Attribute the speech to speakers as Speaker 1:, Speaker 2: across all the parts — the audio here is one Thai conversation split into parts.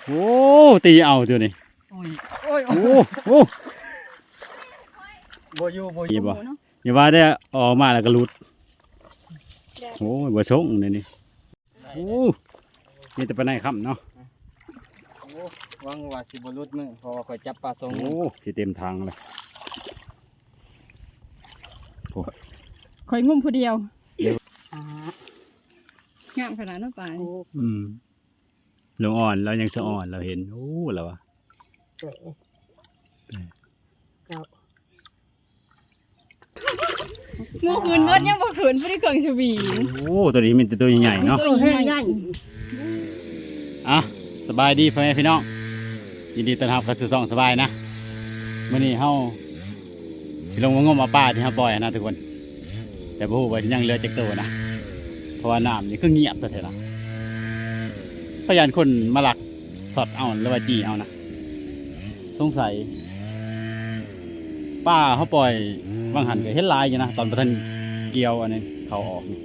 Speaker 1: โอ้ตีเอาตัวนี้
Speaker 2: โอ้ย
Speaker 1: โอ้โอ้
Speaker 2: บ่อยู่
Speaker 1: บ่อย่าว่าได้ออกมาแล้วก็หลุดโอ้ยบ่ชงนี่โอ้นี่แต่ปลาไหนค่ำเนาะ
Speaker 2: หวังว่าสิบ่หลุดมือเพราะว่าข่อยจับปลาทรง
Speaker 1: โอ้สิเต็มทางเลย
Speaker 3: ข่อยงุ่มผู้เดียวงามขนาดนั้นไป
Speaker 1: ลงอ่อนเรายังสะอ่อนเราเห็นโอ้แล้ววะ
Speaker 3: งูขืนเบิดยังบ่ขืนผู้ที่เกิงชวี
Speaker 1: โอ้ตัวนี้มันตัวใหญ่เนาะ
Speaker 3: ตัวใหญ่
Speaker 1: อ่ะสบายดีพ่อแม่พี่น้องยินดีต้อนรับเข้าสู่ช่องสบายนะมื้อนี้เฮาสิลงมางมเอาปลาที่เฮาปล่อยนะทุกคนแต่บ่ฮู้ว่ายังเหลือจักตัวนะเพราะว่าน้ำนี่คือเงียบแต่เถอะนะพยานคนมาลักสอดเอาหรือว่าจี้เอานะสงสัยป้าเขาปล่อยบางหันก็เห็นลายอยู่นะตอนประทันเกี่ยวอันนี้เขาออก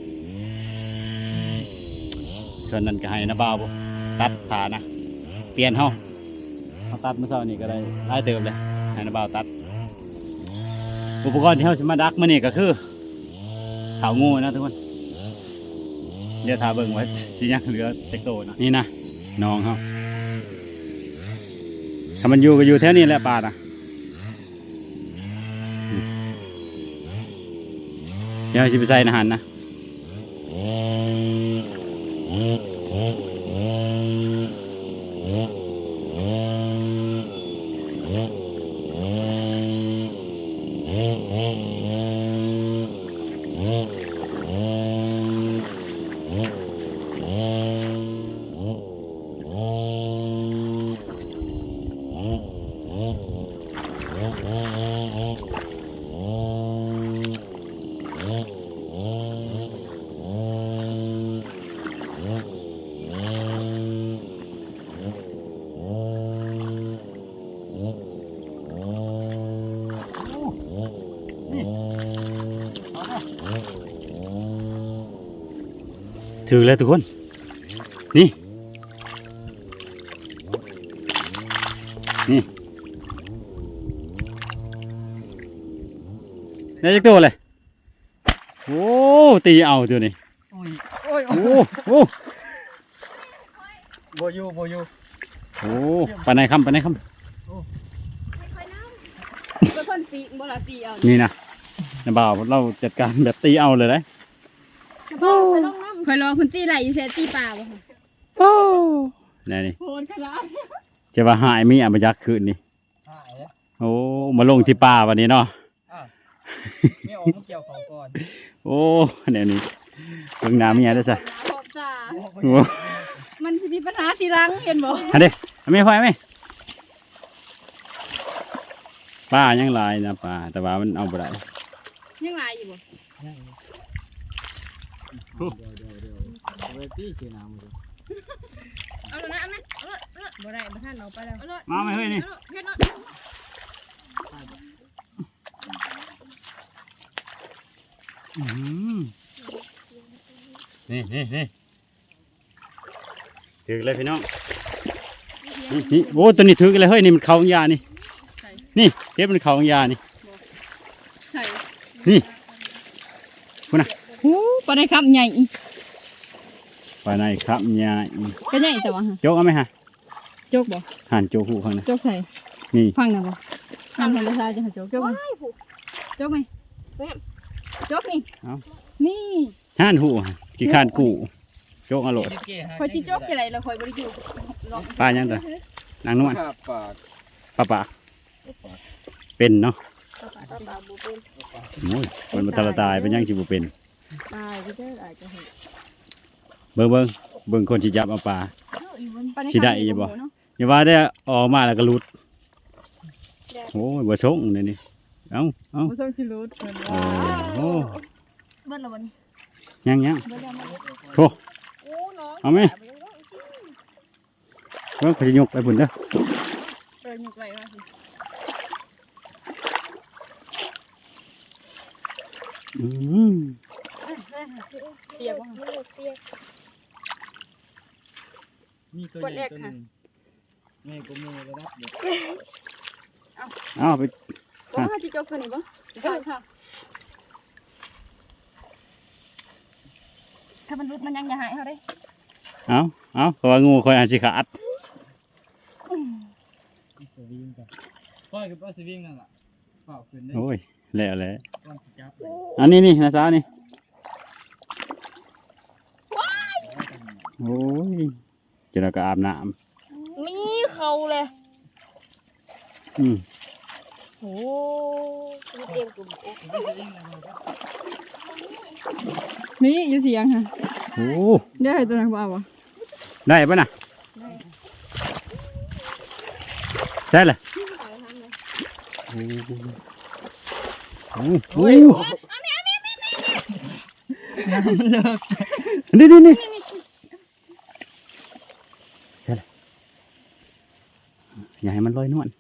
Speaker 1: ส่วนนั้นก็ให้นะบ่าวตัดขานะเปลี่ยนเขาตัดเมื่อเช้านี้ก็ได้ได้เติมเลยให้นะบ่าวตัดอุปกรณ์ที่เขาจะมาดักมื่อนี้ก็คือเถางูนะทุกคนเดี๋ยวทาเบิ่งไว้สิยังเหลือเต็กโตนะนี่นะน้องเขาถ้ามันอยู่ก็อยู่แถวนี้แหละปลานะเดี๋ยวจะไปใส่อาหารนะถือเลยทุกคนนี่ได้จักตัวเลยโอ้ตีเอาตัวนี้
Speaker 2: โอ้ย
Speaker 1: โอ้โอ้
Speaker 2: บ่อยู่
Speaker 1: โอ้ปลาไหนค่ำ
Speaker 3: เป็นคนตีบ่ละตีเอา
Speaker 1: นี่นะนะบ่าวเราจัดการแบบตีเอาเลยนะ
Speaker 3: คอยรอคุณตีไหลอยู่เซตีปลาบ่ค่ะ
Speaker 1: โอ้นี่
Speaker 3: โหดขนาด
Speaker 1: จะว่าหายมีอับยักษ์คืนนี่
Speaker 2: หายแล้ว
Speaker 1: โอ้มาลงที่ป่าวันนี้เนาะ
Speaker 2: ไม่ออกมาเกี่ยวเขาก่อน
Speaker 1: โอ้เนี่ยนี่เบิ่งน้ำมีอะไรด้วยซะ
Speaker 3: มันจะมีปัญหาทีหลังเห็นบ่
Speaker 1: อันนี้ไม่พอไหมป้ายังลายนะป้าแต่ว่ามันเอาไปได้
Speaker 3: ยังลายอยู่บ่
Speaker 2: เอาไปตีเกี่ยวน้ำเลย
Speaker 3: เอาละนะบ่ได้บ่ทันเอาไปแล้ว
Speaker 1: มาไม่เฮ้ยนี่นี่ถือเลยพี่น้องนี่โอ้ตัวนี้ถือเลยเฮ้ยนี่มันเขาของยานี่นี่เทปมันเขาของยานี่นี่คุณน่ะ
Speaker 3: โอ้ปลาในครับใหญ่
Speaker 1: ปลาในครับใหญ่
Speaker 3: ก็ใหญ่แต่ว่า
Speaker 1: โจกเอาไหมฮะ
Speaker 3: โจกบ่
Speaker 1: หั่นโจกหูข้างใน
Speaker 3: โจกใส่
Speaker 1: นี่
Speaker 3: ฟังนะบ่หั่นให้ละลายจะโจกโจกไหมโจกไหมโจกนี่นี่
Speaker 1: หั่นหูกี่ข้านกูโจกอร่อย
Speaker 3: คอยที่โจกอะไรเราคอยบริจู
Speaker 1: ปลายังไงนางนวลปลาเป็นเนาะโอ้ยคนมาตายเป็นยังจีบเป็นเบิ่งคนที่จับเอาปลาสิได้ยังบ่อย่าว่าได้ออกมาแล้วก็หลุดโอ้ยบ่ชงนี่เอา
Speaker 3: บ่ชงสิหลุด
Speaker 1: โอ้
Speaker 3: เบิ่งแล้วบ่นี่
Speaker 1: ยังโธ่เอาไหมเบิ่งเขาจะยกไปพุ่นเด้อย
Speaker 3: กไว้ว่าสิเปียกบ่
Speaker 2: มีตัวใหญ่ตัวนึงแม่กูมือระดับเด็ก
Speaker 1: เอาไป
Speaker 3: ก็มาจิจกตัวนี้บ่ค่ะค่ะถ้ามันรุดมันยังอย่าหายเขาได้
Speaker 1: เอาเพราะว่างูคอยอาจสิขาด
Speaker 2: สวิงกันก้อยกับป้าสวิงนั่นแหละเปล่าขึ้นได้
Speaker 1: โอ้ยแล้วแหละ
Speaker 2: ก้อนสิจับ
Speaker 1: อันนี้นี่นะสาวนี่โอ้ยเจะก็อาบน้
Speaker 3: มีเขาเลย
Speaker 1: ำ
Speaker 3: โอ้เต็มกลุ่มมีอยู่เสียงค่ะ
Speaker 1: โอ้
Speaker 3: ได้ตัวนั้นบ่าวะ
Speaker 1: ได้ปะน่ะใช่เลยโอ้โห
Speaker 2: น้ำมันเลิก
Speaker 1: นี่ใช่เลยอย่าให้มันลอยนวล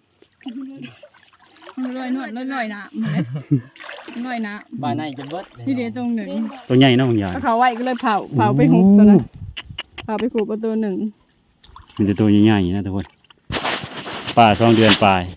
Speaker 3: ลอยนวดลอยน้ำลอยน้
Speaker 2: บ้านไหนจะเบิด
Speaker 3: ำที่เดียวตรงหนึ่ง
Speaker 1: ตัวใหญ่เนาะคุณยาย
Speaker 3: เขาไว้ก็เลยเผาไปหุบตัวนั้นเผาไปหุบประตูหนึ่ง
Speaker 1: มันจะตัวใหญ่ๆนะทุกคนป่า2 เดือนปลาย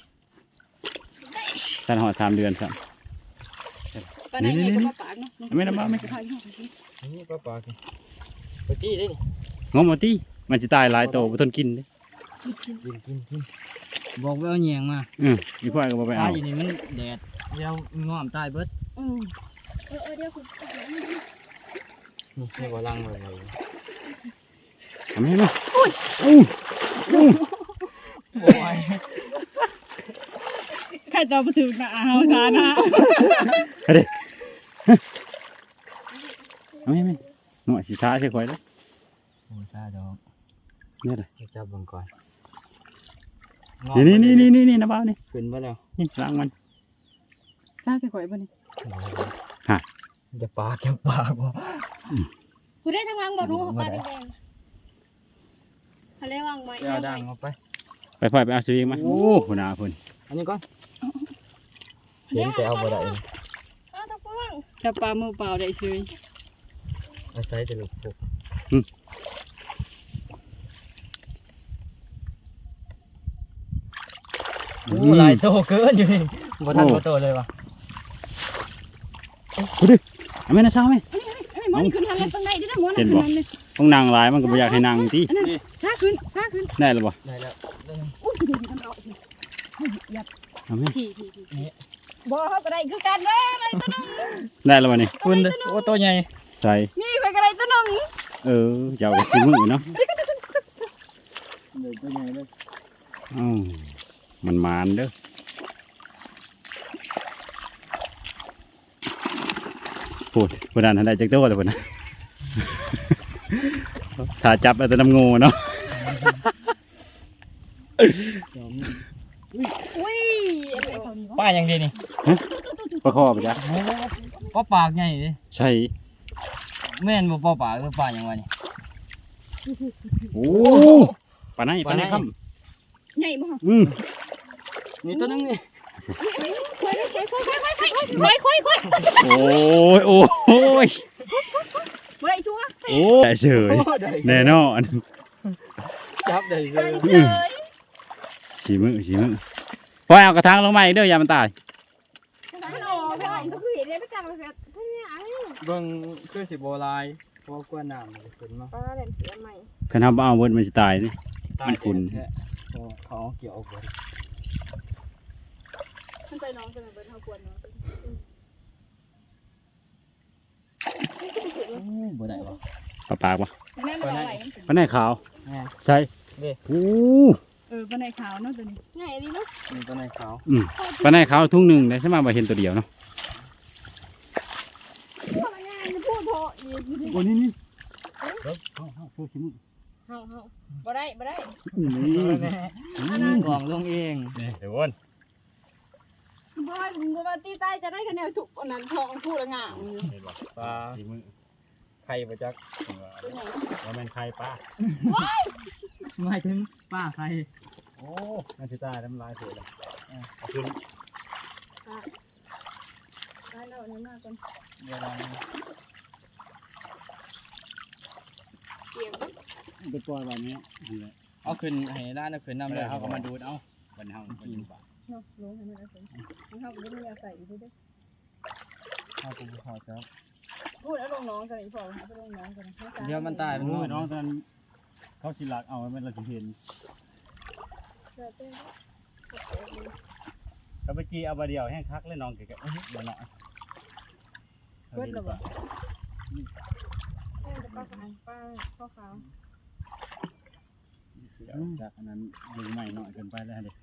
Speaker 1: ท่านหอด3 เดือนครับ
Speaker 3: ปลาไหนเนี่ยก็ปากเนาะ
Speaker 1: ไม่น้ำบ้าไม่
Speaker 2: นี่ป้าปลากินไปจี้ได้นี่
Speaker 1: งมเอาตีมันจะตายหลายโตบ่ทนกินเด้
Speaker 2: กินบอกว่าเอาแยงมา
Speaker 1: อีพ่อยก็บ่ไป
Speaker 2: ตา
Speaker 1: เอา
Speaker 2: อยู่นี่มันแดดเดี๋ยวง้อมตายเบิด
Speaker 3: เดี๋ยวคุณ
Speaker 2: นี่บ่ลังเลย
Speaker 1: ทำให้มั้ย
Speaker 2: โอ้ย
Speaker 3: ใครต่อไปถึงนะเฮาซานะ
Speaker 1: เอาดิเอาให้มั้ยหน่วยสิช้าใช่ค่อยเด้อ
Speaker 2: โอ้ซาดอก
Speaker 1: เนี่ยเด้อ
Speaker 2: จับบังก่อน
Speaker 1: นี่นะบ้าวนี่
Speaker 2: ขึ้นมาแล้ว
Speaker 1: นี่ล้างมัน
Speaker 3: ซาจะข่อยบ่นี่
Speaker 2: จะปากบ่
Speaker 3: คุณได้ทางล่างบ่รู้ปลาแดงทะเลวางไว้
Speaker 2: เอาดังออกไป
Speaker 1: ไปพ่อยไปเอาสวิงมาโอ้พุ่นน่ะพุ่น
Speaker 2: อันนี้ก่อนเห็นแต่เอาบ่ได้
Speaker 3: ตะปวงถ้าปลามือเปล่าได้ซื้อ
Speaker 2: อาศัยแต่ลูกปุกโอ้หลายโตเกินอยู่นี่บ่ทันบ่โตเลยว่ะ
Speaker 1: กูดิเอาแม่นะเช้าแม่
Speaker 3: มันขึ้นทางตรงไหนดินะมัน
Speaker 1: เห็นบ่ต้องนั่งหลายมันก็บ่อยากให้นั่งติ
Speaker 3: ช้าขึ้น
Speaker 1: ได้แล้วบ่
Speaker 2: ได้แล้ว
Speaker 3: อุ้ยดูมันเอา
Speaker 1: เอาแม่
Speaker 3: พี่บ่เขาก็ได้คือกันเด้อ
Speaker 1: ได้แล้วบ่นี่
Speaker 2: คุณเด้อโอ้ตัวใหญ่
Speaker 1: ใส่
Speaker 3: นี่ไปก็ได้ตัวนึง
Speaker 1: เจ้าก็สิมือเนาะ
Speaker 2: ตัวใหญ่เลย
Speaker 1: มันมานเด้อพูดพูดนั่นได้จักตัวเลยพุ่นนะ ถ้าจับเอาแต่น้ำงูเนาะ
Speaker 3: อุ้ย
Speaker 2: ป้ายังดีนี่
Speaker 1: ประคอไปจ้ะ
Speaker 2: ป้าปากใหญ่ดิ
Speaker 1: ใช่
Speaker 2: แม่นบ่ป้าปากหรือป้ายังวะนี่
Speaker 1: โอ้ปลาไหนปลาไหนครับ
Speaker 3: ใหญ่บ่
Speaker 2: นี่ตัวนึงนี่
Speaker 3: ค่อย
Speaker 1: โอ้ยโอ้ย
Speaker 3: บ่ได้ชัว
Speaker 1: โอ้ยได้เฉยแน่นอน
Speaker 2: จับได้เลย
Speaker 1: ฉีมือปล่อยเอากระถางลงมาอีกเด้ออย่ามันตาย
Speaker 2: เบิ่งคือสิบ่ลายเพราะกลัวน้ำมันขึ้นมา
Speaker 1: คันทำเอาเวิร์ดมันจะตายนี่ มันขุ่น
Speaker 2: เขาเกี่ยวเอาเบิด
Speaker 3: มันไปน้องจะมาเบิดเฮากวนเนาะ
Speaker 2: บ่ได้บ่
Speaker 1: ปลาปากปะ
Speaker 3: แม่บ่ไหว
Speaker 1: ปลาไหนขาว
Speaker 2: แม่น
Speaker 1: ใช่
Speaker 2: เด้
Speaker 1: โอ้
Speaker 3: ปลาไหนขาวเนาะตัวนี้ใหญ่ดีเนาะ
Speaker 2: มีตัวไหนขาว
Speaker 1: ปลาไหนขาวทุ่งหนึ่งได้ใช่ไหมบ่เห็นตัวเดียวเนาะ
Speaker 3: พูดโถ
Speaker 1: โอ้นี่เอาเพื่อขี้มือ
Speaker 3: เฮาบ่ได้
Speaker 2: กล่องลงเอง
Speaker 1: เดี๋ยววน
Speaker 3: บ่ว่าตีใต้จะได้คะแนนถูกอันนั้นทองพูดละงาม
Speaker 2: ปลา
Speaker 1: ขี้มือ
Speaker 2: ไข่บ่จัก
Speaker 1: ว่าแม่นใครป้า
Speaker 2: หมายถึงป้าไข่
Speaker 1: โอ้น่าจะตายน้ำลายเสือเลยเอาขึ้น
Speaker 3: ได้แล้วนี่มากก่อน
Speaker 2: เวลา
Speaker 3: เกี่ยว
Speaker 1: ไปปล่อยวันนี้นี่แหละ
Speaker 2: เอาขึ้นให้ร้านเอาขึ้นน้ำเลย
Speaker 1: เขาก็มาดูดเอาบันเฮากินป่า
Speaker 3: เนาะลงให้มันเอาไปมันเข้าไปไม่ได้ใส่อยู่ด้วย
Speaker 2: เอากูขอจ้า
Speaker 3: พูดแล้วลงน้องกันอีกพอเอาไปลงน้องกัน
Speaker 2: เดี๋ยวมันตาย
Speaker 1: โอ้ยน้องตอนเขาสิลักเอามันเราสิเห็นก็ไปจีเอาบาเดียวแห้งคักเลยน้องแกก็เดี๋ยวหน่อย
Speaker 3: เบิดระเบิดป้าขาวป้าข้าวขาว
Speaker 1: จากอันนั้นดึงใหม่หน่อยเกินไปแล้วเด็ก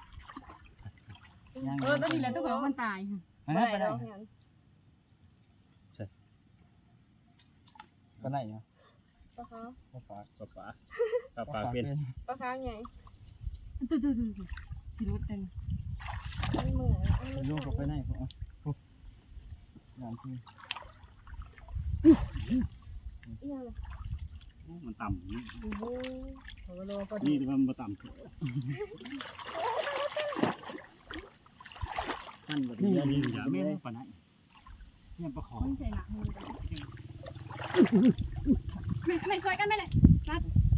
Speaker 3: ตัวนี้แหละตัวของมันตาย
Speaker 2: ไปไหนไปไหนเนาะ
Speaker 3: ป้าขาว
Speaker 2: ปลาปลา
Speaker 1: ปลาเป็น
Speaker 3: ป้าขาวใหญ่ตัวสีรถเต็มมันเหมือน
Speaker 2: ลูกก็ไปไหนพวกอย่างที่
Speaker 1: มันต่ำนี่
Speaker 3: โอ้โหเขาก็รอพอดี
Speaker 1: นี่ที่มันมาต่ำท่านแบบนี้นี่อย่าไม่ให้ปานไหนเนี่ยประคอง
Speaker 3: มันใส่หนักมือไม่ช่วยกันไม่เลยนัด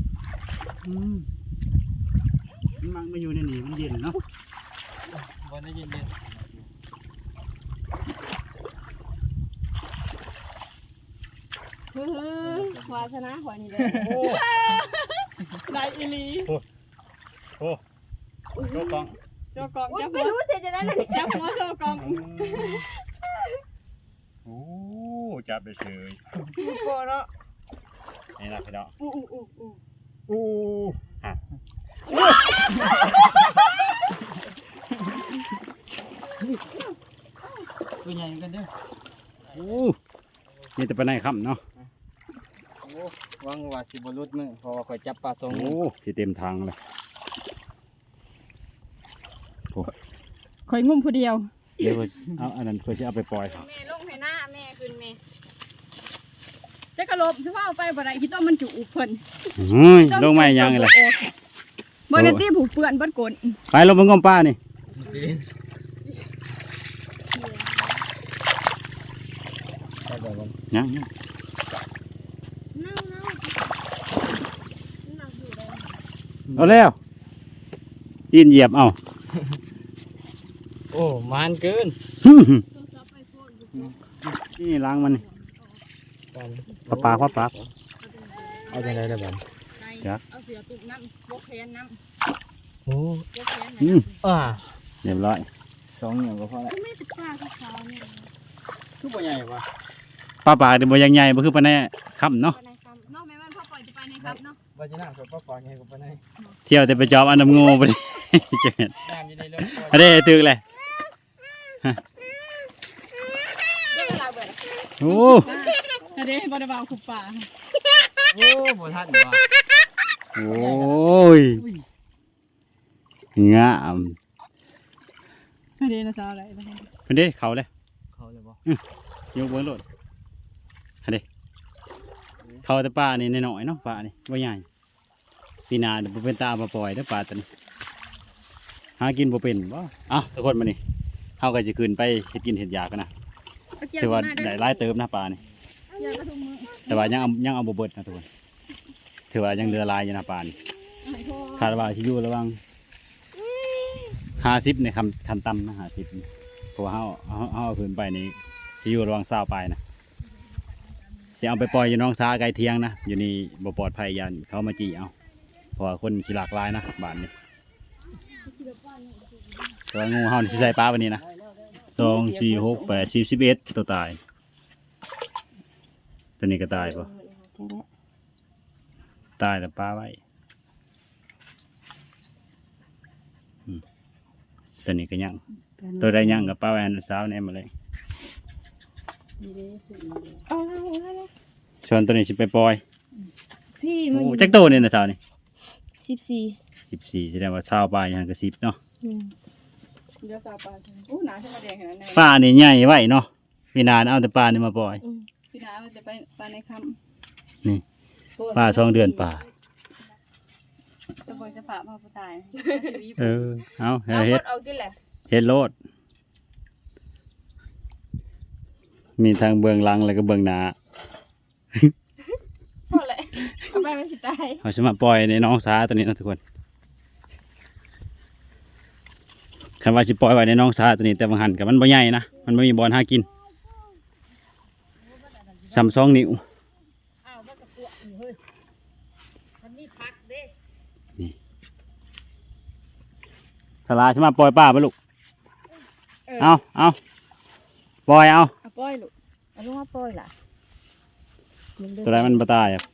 Speaker 1: มันมาอยู่ในนี่มันเย็นเนาะ
Speaker 2: วันนี้เย็น
Speaker 3: วาสนาหัวนี่เลยได้อีลี
Speaker 1: โอ้โจกอง
Speaker 3: โจกองจะไม่รู้เสียจะได้เลยจะหัวโจกอง
Speaker 1: โอ้จับไปเฉย
Speaker 3: โกเนาะ
Speaker 1: นี่นะพี่น้อง
Speaker 3: อู้
Speaker 1: ฮะ
Speaker 2: ตัวใหญ่กันเด้อ
Speaker 1: โอ้นี่จะไปไหนค่ำเนาะ
Speaker 2: วังว่าสิบรุษมือเพราะว่าคอยจับปลาทรง
Speaker 1: โอ้ที่เต็มทางเลย
Speaker 3: คอยงุ่มผู้เดียว
Speaker 1: เดี๋ยวเอาอันนั้นเพื่อจะเอาไปปล่อย
Speaker 3: แม่ลงให้หน้าแม่ขึ้นแม่จะกระโลบจะว่าเอาไปบ่ได้คิดว่ามันจุเพิ่น
Speaker 1: ลงไม่ยังเลย
Speaker 3: เมื่อนี้ผูกเปื่อนบัดกล
Speaker 1: ไปลงมางมป้านี่ ยัง เอาแล้วยินเหยียบเอา
Speaker 2: โอ้มันเกิน
Speaker 1: นี่ล้างมันปลาปลา
Speaker 2: เอาจังไรล่ะบัด
Speaker 3: เอาเสือตุกน้ำบกแขนน้
Speaker 2: โอ้
Speaker 3: ำบกแขนน้ำ
Speaker 1: เรียบร้อย
Speaker 2: สองอย่างก็พอละ
Speaker 3: ไม่ติดปลาขาวเนี่ย
Speaker 2: คือบ่ใหญ่ปะ
Speaker 1: ปลาเดี๋ยวบ่ยังใหญ่บ่คือปลาแน่ค่ำเนาะ
Speaker 3: ไปในคำนอกแม่บ้านพ่อปล่อยจะไปในครับเนาะ
Speaker 2: ว่าจะนั่งกับป้าปอใหญ่กว่าปานไหน
Speaker 1: เที่ยวแต่ไปจอบอันน้ำงูไปเจ็ด
Speaker 2: น้ำอยู่ในเรือ
Speaker 1: อันนี้ตึกเลย
Speaker 3: เรื่องราวเบิด
Speaker 1: โอ้
Speaker 3: อันนี้บริบาลขุบป่า
Speaker 2: โอ้บ่ทันว่ะ
Speaker 1: โอ้ยงาม
Speaker 3: อันนี้นะสาวอะไรนะ
Speaker 1: เพิ่นเด้เขาเลย
Speaker 2: เขาเลยบ่
Speaker 1: ยกเบิ้งโลดอันเด้เขาแต่ปลานี่น้อยๆเนาะปลานี่บ่ใหญ่ปีหน้าเดี๋ยวบ่เป็นตามาปล่อยเด้อปลาตัวนี้หากินบ่เป็นบ่เอ้าทุกคนมานี่เฮาก็สิขึ้นไปเฮ็ดกินเฮ็ดยากันนะถือว่าได้หลายเติมนะปลานี่
Speaker 3: ยากระทุงมือ
Speaker 1: แต่ว่ายังเอาบ่เบิดนะทุกคนถือว่ายังเหลือหลายอยู่นะปลานี่คาดว่าสิอยู่ระหว่าง50ในคันต่ำนะ50เพราะว่าเฮาเอาขึ้นไปนี่สิอยู่ระหว่าง20ปลายนะสิเอาไปปล่อยอยู่น้องสาไกลเทียงนะอยู่นี่บ่ปลอดภัยยันเขามาจี้เอาเพราะว่าคนขี้หลากหลายนะบ้านนี้แต่ว่างูเฮานี่สิใส่ปลาวันนี้นะ2 4 6 8 10 11ตัวตายตัวนี้ก็ตายป่ะตายแต่ปลาไว้ตัวนี้ก็ยังตัวใดยังกับปลาแวนสาวเนี่ยมาเลยชวนตัวนี้สิไปปล่อย
Speaker 3: พี่
Speaker 1: โอ้
Speaker 3: มัน
Speaker 1: จักโตเนี่ยนะสาวนี่
Speaker 3: 14
Speaker 1: 14แสดงว่าชาวปลาอย่างกับ10เนาะ
Speaker 3: เดี๋ยวสาวปลาโอ้หนาใช่ไหมแดงขนาดนั้น
Speaker 1: ปลานี่ใหญ่ไว้เนาะพี่นานเอาแต่ปลานี่มาปล่อย
Speaker 3: พี่นามันจะไปปลาในค
Speaker 1: นี่
Speaker 3: ำ
Speaker 1: ปลา2 เดือนปลา
Speaker 3: จะปล่อยจะฝากมาผู้ตาย
Speaker 1: เอาเฮ็ด
Speaker 3: เอาที่แหละ
Speaker 1: เฮ็ดโลดมีทางเบื้องหลังแล้วก็เบื้องหน้า
Speaker 3: พอแหละเอาไปมันสิตาย
Speaker 1: เขาจะมาปล่อยในน้องสาตัวนี้นะทุกคนคันว่าจะปล่อยไว้ในน้องสาตัวนี้แต่บางหันกับมันบ่ใหญ่นะมันไม่มีบอลหากิน2 นิ้ว
Speaker 4: อ้าวมันก็กลัวอยู่เฮ้ยมันมีพักเด้
Speaker 1: สลาจะมาปล่อยป้าไปลูกเอาปล่อยเอา
Speaker 3: เอาปล่อยลูก
Speaker 4: เอาลูกมาปล่อยล่ะ
Speaker 1: ตัวไรมันบ่ตายอ่ะ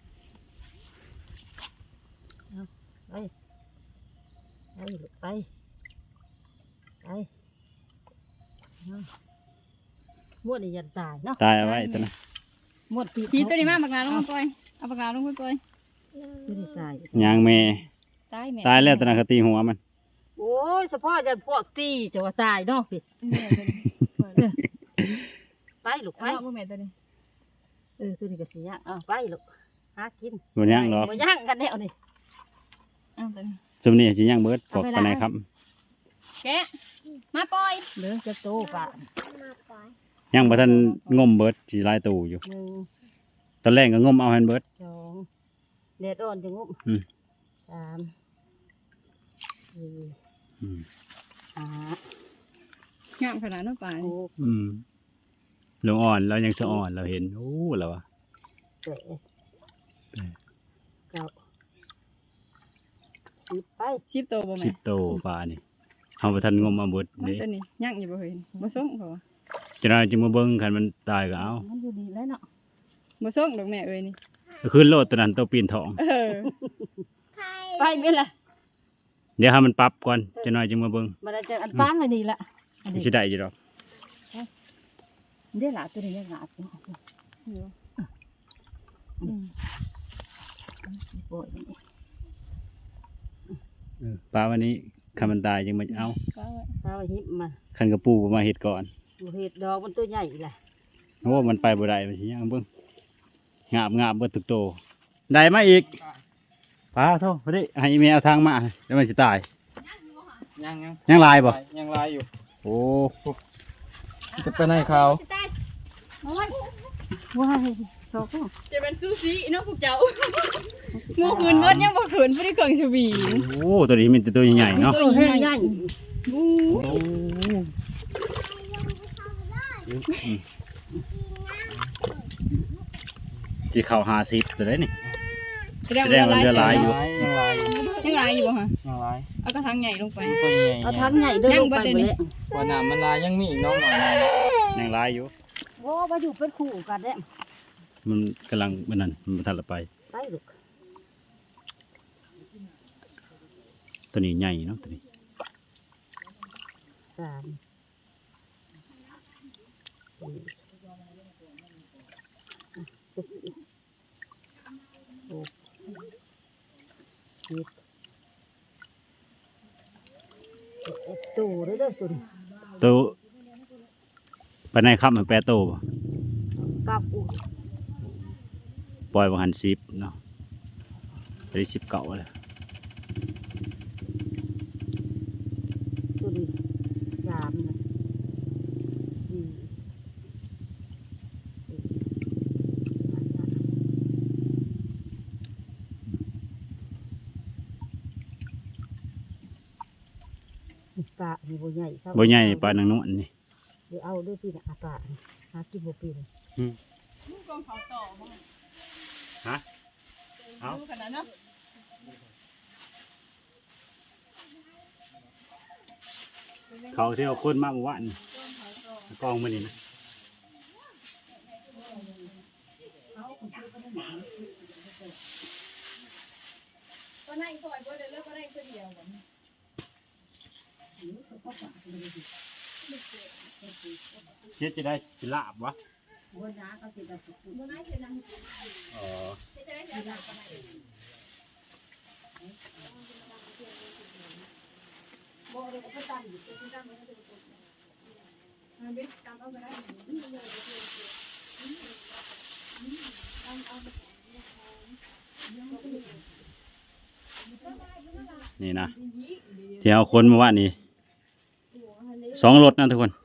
Speaker 4: ไปลูกไปมวดนี่ยันตายเนาะ
Speaker 1: ตายเอาไว้ตัวนั้น
Speaker 4: มวด
Speaker 3: ทีตัวนี้มาบักนาลงมาปล่อยเอาบักนาลงไปปล่อย
Speaker 4: ไม่ได้ตาย
Speaker 1: ยางแม่
Speaker 3: ตายแม่
Speaker 1: ตายแล้วตัวนั้นเขาตีหัวมัน
Speaker 4: โอ้ยเฉพาะยันพวกตีจะว่าตายเนาะพี่
Speaker 3: แม่ตัวนี้
Speaker 4: ไปลูกไป
Speaker 3: เอามือแม่ตัวนี้
Speaker 4: ตัวนี้ก็สิยะไปลูกหากิน
Speaker 1: บนย่างหรอก
Speaker 4: บ่ย่างกันแนวนี่
Speaker 3: เอาตัวนี้
Speaker 1: ซุมนี้จะย่างเบิดปอกปานไหนครับ
Speaker 3: แกะมาปล่อย
Speaker 4: เหลือจะโตป่ะ
Speaker 1: ย่างบ่ทันงมเบิดสิหลายตูอยู่
Speaker 4: 1
Speaker 1: ตอนแรกก็งมเอาให้เบิด
Speaker 4: 2เด็ดอ่อนจะงุ่ม
Speaker 1: อืม
Speaker 4: 3
Speaker 1: อืม
Speaker 4: 4
Speaker 3: งามขนาดนั้นป่า
Speaker 4: 5 6
Speaker 1: อืมลงอ่อนเรายังสะอ่อนเราเห็นโอ้แล้ววะ
Speaker 4: 7 9 10ไป
Speaker 3: ชิบโตบ่แม่
Speaker 1: 10 โตปลานี่เฮาบ่ทันงมเอาเบิด
Speaker 3: มัน
Speaker 1: นี่
Speaker 3: ตัวนี้ย่างอยู่บ่เห็นบ่ส่งเขาว่า
Speaker 1: จะได้จึงมาเบิ่งคันมันตายก็เอา
Speaker 4: มันอยู่ดีแล้วเนาะ
Speaker 3: บ่ส่งดอกแม่เอ้ยนี่
Speaker 1: ก็ขึ้นโลดตัวนั้นตัวปีนทอง
Speaker 4: ไปไม่ละ
Speaker 1: เดี๋ยวให้มันปรับก่อนจะน้อยจึงมาเบิ่ง
Speaker 4: มันจะอันป้านเลยดีละ
Speaker 1: มันสิได้อยู่ดอก
Speaker 4: เดี๋ยวหลาตัวนี้ยังหลาบปวด
Speaker 1: ปลาวันนี้คันมันตายจึงมาเอา
Speaker 4: ปลาหิบมา
Speaker 1: คันกระปูมาเฮ็ดก่อน
Speaker 4: เห็ดดอกมันตัวใหญ่แหละ
Speaker 1: โอ้มันไปบ่ได้มันสิย่างเบิ่งงาบเบิดทุกโตได้มาอีกปลาโทษพอดีให้แม่เอาทางมาแล้วมันสิตาย
Speaker 2: ยัง
Speaker 1: ยังลายบ่
Speaker 2: ยังลายอยู่
Speaker 1: โอ้
Speaker 2: จะไปไหนเขา
Speaker 4: ว้ายโชค
Speaker 3: จะเป็นซูชิเนาะพวกเจ้างูคืนเบิดยังบ่คืนบ่ได้เครื่องสวี
Speaker 1: โหตัวนี้มันตัวใหญ่ๆเนาะ
Speaker 4: ตัวใหญ่
Speaker 1: สิเข้า50ตัวได้นี่
Speaker 3: แสดงว่า
Speaker 1: เรือลายอยู่
Speaker 2: ยังลายอยู่
Speaker 3: ยังลายอยู่บ่ฮะ
Speaker 2: ยังลาย
Speaker 3: เอากระถางใหญ่ลงไป
Speaker 2: ตัวใหญ่
Speaker 4: เอาทั้งใหญ่เดินลงไปเลย
Speaker 2: ว่าน้ำมันลายยังมีอีกน้องหน่อย
Speaker 1: ยังลายอยู่
Speaker 4: โอ้มาอยู่เป็นคู่กันเนี่ย
Speaker 1: มันกำลังมันนั่นมันบ่ทันละไป
Speaker 4: ไปลูก
Speaker 1: ตัวนี้ใหญ่เนาะตัวนี้
Speaker 4: 3 ตัวเด้อตัวนี้
Speaker 1: ตัวปานไหนครับมันแปรโตบ่
Speaker 4: กับอุ
Speaker 1: ปล่อยบ่หัน10เนาะตัวนี้10เก่าแล้ว
Speaker 4: ตัวนี้3นะปลานี่บ่ใหญ่
Speaker 1: บ่ใหญ่ปานนางนวลนี่
Speaker 4: เดี๋ยวเอาด้วยพี่นะอาปลาหากินบ่เป็น
Speaker 3: ลูกกองเขาต่อบ่
Speaker 1: ฮะเอา
Speaker 3: ดูขนาดเนาะ
Speaker 1: เขาที่เอาคนมาเมื่อวานนี่กองมื้อนี้นะ
Speaker 3: ก็นั่งคอยบ่ได้เลิกก็ได้คนเดียวบ่
Speaker 1: เฮ็ดจะได้สิลาบวะ
Speaker 4: บ่นาเขาสิได้
Speaker 3: บ่ได้คือนั่ง
Speaker 1: อ๋อ
Speaker 3: จะได้จะหลับกันได้บ่ได้ก็ตั้งอยู่ที่ตั้งมันก็จะมันเป็นตามเอาก็ได้
Speaker 1: นี่นะที่เอาคนเมื่อวานนี้2 รถนะทุกคน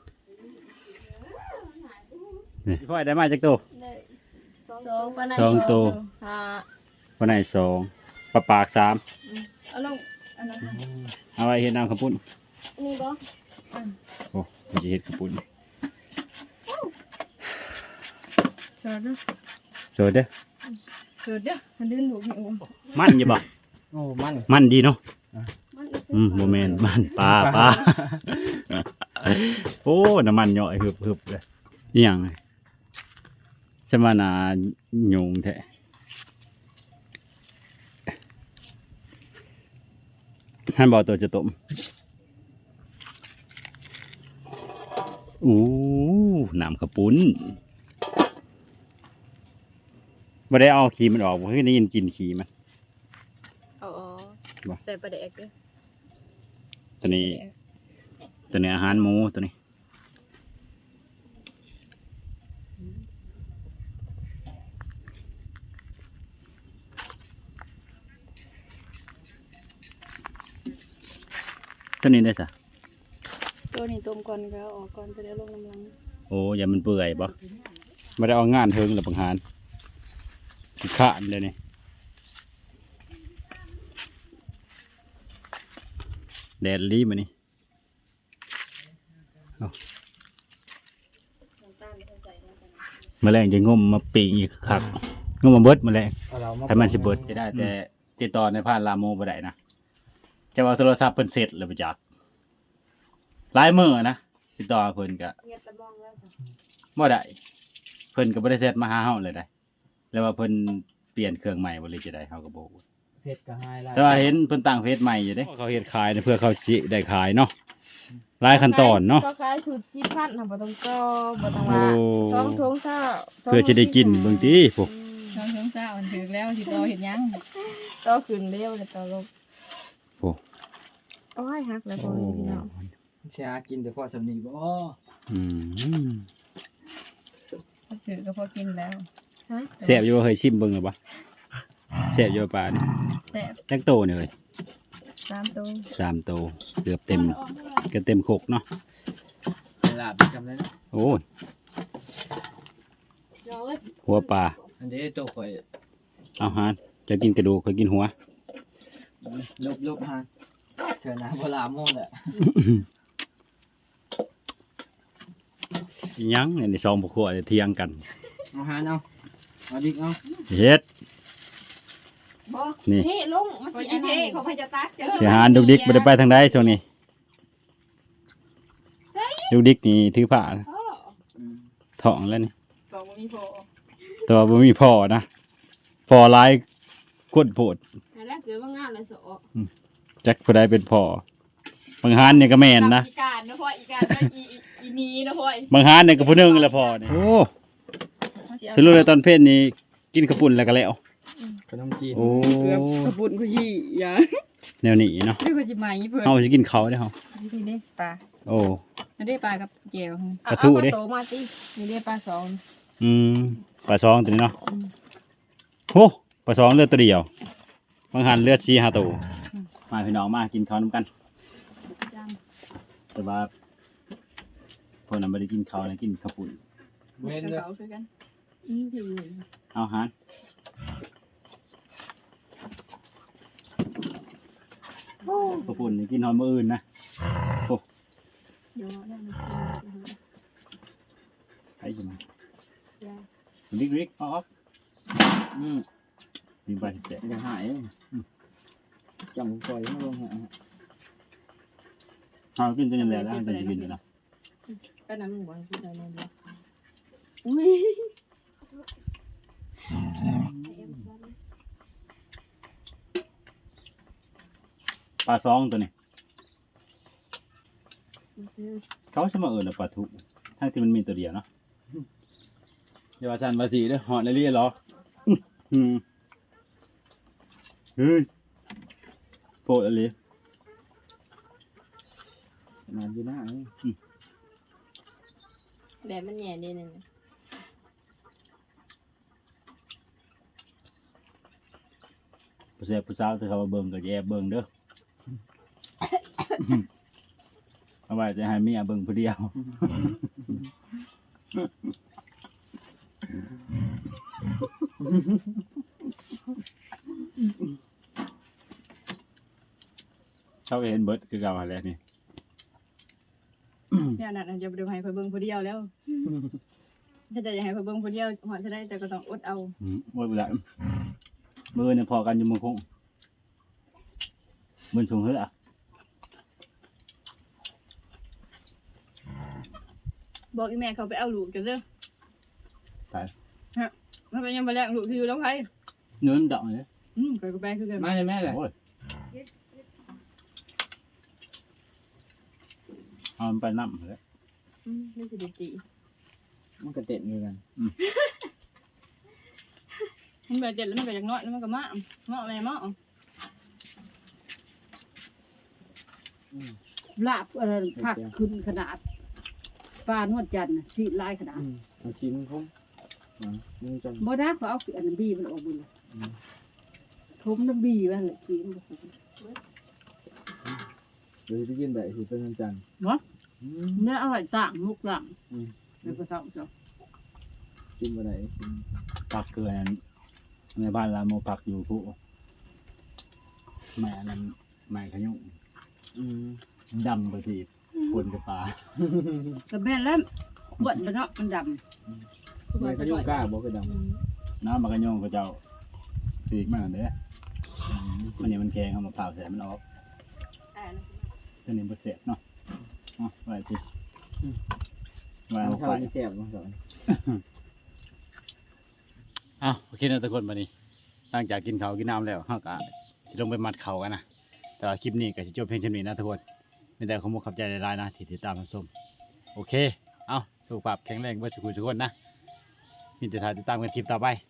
Speaker 1: นี่พ่อยได้มาจากตัว
Speaker 3: สองปานใด
Speaker 1: สองตัว
Speaker 3: 5
Speaker 1: วันไหน2ปลาปาก3
Speaker 3: เอาลงอันนั้น
Speaker 1: เอาไว้เฮ็ดน้ำข้าวปุ้น
Speaker 4: นี่บ่
Speaker 1: โอ้มันจะเฮ็ดข้าวปุ้น
Speaker 3: ชอดเด้อ
Speaker 1: สวยเด้อ
Speaker 3: ชอดเด้อมันลื่นหูหิว
Speaker 1: มันอยู่บ่
Speaker 2: โอ้มัน
Speaker 1: มันดีเนาะ
Speaker 4: มันอีก
Speaker 1: บ่แม่นมันปลาโอ้น้ำมันย่อยฮึบๆเลยอีหยังใช่มานาโยงแท้ท่านบอกตัวจะต้มอู้น้ำข้าวปุ้นบ่ได้เอาขี้มันออกบ่คือได้ยินกลินขี้มัน
Speaker 3: อ๋อ
Speaker 1: บ่
Speaker 3: ใส่ปลาแดกเด้อ
Speaker 1: ตัวนี้อาหารหมูตัวนี้ตัวนี้ได้ซะ
Speaker 3: ตัวนี้ต้มก่อนก็ออกก่อนไปแล้วลงน้ำลัง
Speaker 1: โอ้อย่ามันเปื่อยบ่ไม่ได้เอางานเทิงหรือบังหารขี้ข้านเลยนี่แดดรีบมานี่เอาแมลงจะงมมาปีกอีกคักงมมาเบิดแมลง
Speaker 2: เอาเรามา
Speaker 1: ถ้ามันสิเบิดจะได้แต่ติดต่อในผ่านลาโมบ่ได้นะจะว่าโทรศัพท์เพิ่นเสร็จแล้วไปจักหลายมื้อนะติดต่อเพิ่นก็
Speaker 4: เงียบตะมองแล้วจ้ะ
Speaker 1: บ่ได้เพิ่นก็บ่ได้เสร็จมาหาเฮาเลยได้แล้วว่าเพิ่นเปลี่ยนเครื่องใหม่บ่เลยจะได้เฮาก็บ่รู้
Speaker 2: เพชรก็ให้ไล่
Speaker 1: แต่ว่าเห็นเพิ่นตั้งเฟซใหม่อยู่เด้เขาเฮ็ดขายเพื่อเขาจิได้ขายเนาะหลายขั้นตอนเนาะ
Speaker 3: ก็คล้ายสูตรชีพันธุ์น่ะบ่ต้องก็บ่ต้อง
Speaker 1: โอ้
Speaker 3: ว่า2ถุงซ่า
Speaker 1: เพื่อจะได้กินเบิ่งติพวก
Speaker 3: 2ถุงซ่ามันถึงแล้วสิต่อเฮ็ดหยังต่อขึ้นเร็วแล้วต่อลง
Speaker 1: โอ้
Speaker 3: โอ้ยฮักแล้วบ่มีพี่น้อง
Speaker 2: เสียกินแต่พอสำนีบ่
Speaker 1: อืม
Speaker 3: ซื้อก็พอกินแล้วฮะ
Speaker 1: แซ่บอยู่บ่เคยชิมเบิ่งหรือบ่แซ่บอยู่ปลานี่
Speaker 3: แซ่บ
Speaker 1: จักโตนี่เอ้ย
Speaker 3: 3ตัว
Speaker 1: 3โตเกือบเต็มครกเนาะ
Speaker 2: เวลาไปจำได้นะ
Speaker 1: โอ้ย
Speaker 4: เดี๋ยวเอ้ย
Speaker 1: หัวปลา
Speaker 2: อันนี้ตัวข่อย
Speaker 1: เอาหารจะกินกระดูกเคยกินหัว
Speaker 2: ลบฮะเถื่อนนะเวลาโม่แหละ
Speaker 1: อิหยังในซองบ่ครัวเถียงกัน
Speaker 2: เอาฮานเอาดิกเอา
Speaker 1: เฮ็ด
Speaker 4: บ่
Speaker 1: นี่
Speaker 4: เฮ้ลงมันสิอันนี้เขาพยจะตักเด้อ
Speaker 1: สิหารดุกดิกบ่ได้ไปทางใดช่วงนี้ดุกดิกนี่ถือผ้า
Speaker 4: พ่อ
Speaker 1: ท้องแล้วนี่
Speaker 3: บอกว่ามีพอ
Speaker 1: แต่ว่าบ่มีพ่อนะพ่อหลายคนโพด
Speaker 4: แต่แรกเกิดว่างานเลยสอ
Speaker 1: จักผู้ใดเป็นพ่อบางหานเนี่ยก็แม่นนะ
Speaker 3: อีการนะพ่ออีการนะอีนีนะพ่อบ
Speaker 1: างหานเนี่ยก็ผู้หนึงแหละพ่อนี่โอ้สรุปแล้วตอนเพศนี้กินข้าวปุ้นแล้วก็แล้ว
Speaker 2: ขนมจีน
Speaker 1: โอ้
Speaker 3: เกือบกระปุนกูยี่อย่า
Speaker 1: แนวนี้เนาะ
Speaker 3: เดี๋ยวกูจะมาอีเพิ่น
Speaker 1: เฮาสิกินข้าวได้เฮา
Speaker 3: นี่เด้ปลา
Speaker 1: โอ้
Speaker 3: อันนี้ปลากับแก้ว
Speaker 1: ปลาทูดิ
Speaker 3: เอาปลาโตมาสินี่เด้ปลาสอง
Speaker 1: ปลาซองตัวนี้เนาะโหปลาซองเลือดตัวเดียวบางหันเลือด4-5ตัวมาพี่น้องมากินข้าวนำกัน
Speaker 3: จัง
Speaker 1: แต่ว่าพวกนั้นบ่ได้กินข้าวนะกินข้าวปุ้น
Speaker 2: เว้น
Speaker 3: ก
Speaker 2: เล
Speaker 3: ระ
Speaker 2: ย
Speaker 3: เป๋าคือกันถือ
Speaker 1: เอาหารข้าวปุ้นนี่กินหอมมื้ออื่นนะ
Speaker 3: เดี๋ยวนั่น
Speaker 1: ไอ้จังริกออกมีใบแตะ
Speaker 2: อย่าหายจำข่อยไม่ลงฮะ
Speaker 1: เอากินตัวนี้แหละแล้วจะกินอยู่นะ
Speaker 3: ก็น้ำหมูคือได้นั่นเดียวอุ้ย
Speaker 1: ปลาซองตัวนี้เขาจะมาเอิญปลาทูทั้งที่มันมีตัวเดียวเนาะเดี๋ยวอาจารย์ภาษีเด้อหอดเลยเหรอเฮ้ยโปรดอะไร
Speaker 2: นานอยู่หน้า
Speaker 3: แดดมันแย่นิดนึง
Speaker 1: ผู้ชายผู้สาวที่เขามาเบิ่งก็แย่เบิ่งเด้อเอาไว้จะให้เมียเบิ่งผู้เดียวเขาเห็นเบิร์ดคือเก่าอะไรนี่
Speaker 3: เนี่ยนั่นจะไปดูให้เพิ่นเบิ่งผู้เดียวแล้วถ้าจะอยากให้เพิ่นเบิ่งผู้เดียวหอดจะได้แต่ก็ต้องอดเอา
Speaker 1: ว่าเวลามือเนี่ยพอกันอยู่มือคงมือสูงเฮ้อ
Speaker 3: บอกอีแม่เขาไปเอาลูกกันเด้อ
Speaker 1: ไป
Speaker 3: ฮะมันเป็นยังบ่แลกลูกที่อยู่แล้วไผ
Speaker 1: เนื้อมันดอกเลย
Speaker 3: ไปก็ไปคือกัน
Speaker 2: มาเลยแม่เลย
Speaker 1: โอ้ยเอามันไปน้ำเลย
Speaker 3: ไม่สิได้ตี
Speaker 2: มันก็เต็ดมือกัน
Speaker 3: มันแบบเจ็ดแล้วมันก็อยากน้อยแล้วมันก็มาเมาะแม่เมาะ
Speaker 4: ลาบผักขึ้นขนาดปลานวดจันทร์น่ะสิลายขนาด
Speaker 2: เอาชิ้นคงมึงจน
Speaker 4: บ่ได้เขาเอาอันนั้นบีมันออกบุญทมน้ำบีว่าเลยกินบ่คุ้ม
Speaker 2: เดี๋ยวไปกินได้คือเป็นวันจันทร์
Speaker 4: เนี่ยอร่อยต่างมุกต่างแล้วก็เท่าจ้ะ
Speaker 2: กินบ่ได้กิน
Speaker 1: ผักเกลือนั้นในบ้านเราโมผักอยู่ผู้แม่นั้นแม่ขยุงดำไปทีคนกับปลา
Speaker 4: ก็แม่นแล้วบดมันเนาะมันด
Speaker 2: ไม่ขยุ่งกล้าบ่คือด
Speaker 1: น้ำมันขยุงก็เจ้าสีกมันเด้อมันเนี่ยมันแข็งเอามาเผาใส่มันออกตัวนี้บดเสร็จเนาะไว้ทีไว้
Speaker 2: ำ
Speaker 1: เอา
Speaker 2: ข้า
Speaker 1: ไป
Speaker 2: วที่แซ่บมาสอน
Speaker 1: โอเคนะทุกคนวันนี้หลังจากกินข้าวกินน้ำแล้วเราก็จะลงไปมัดเขากันนะแต่ว่าคลิปนี้ก็จะจบเพียงเท่านี้นะทุกคนไม่ได้ขอมุกขับใจหลายๆนะที่ติดตามรับชมโอเคเอาสุขภาพแข็งแรงเพื่อสุขทุกคนนะมีแต่ทายติดตามกันคลิปต่อไป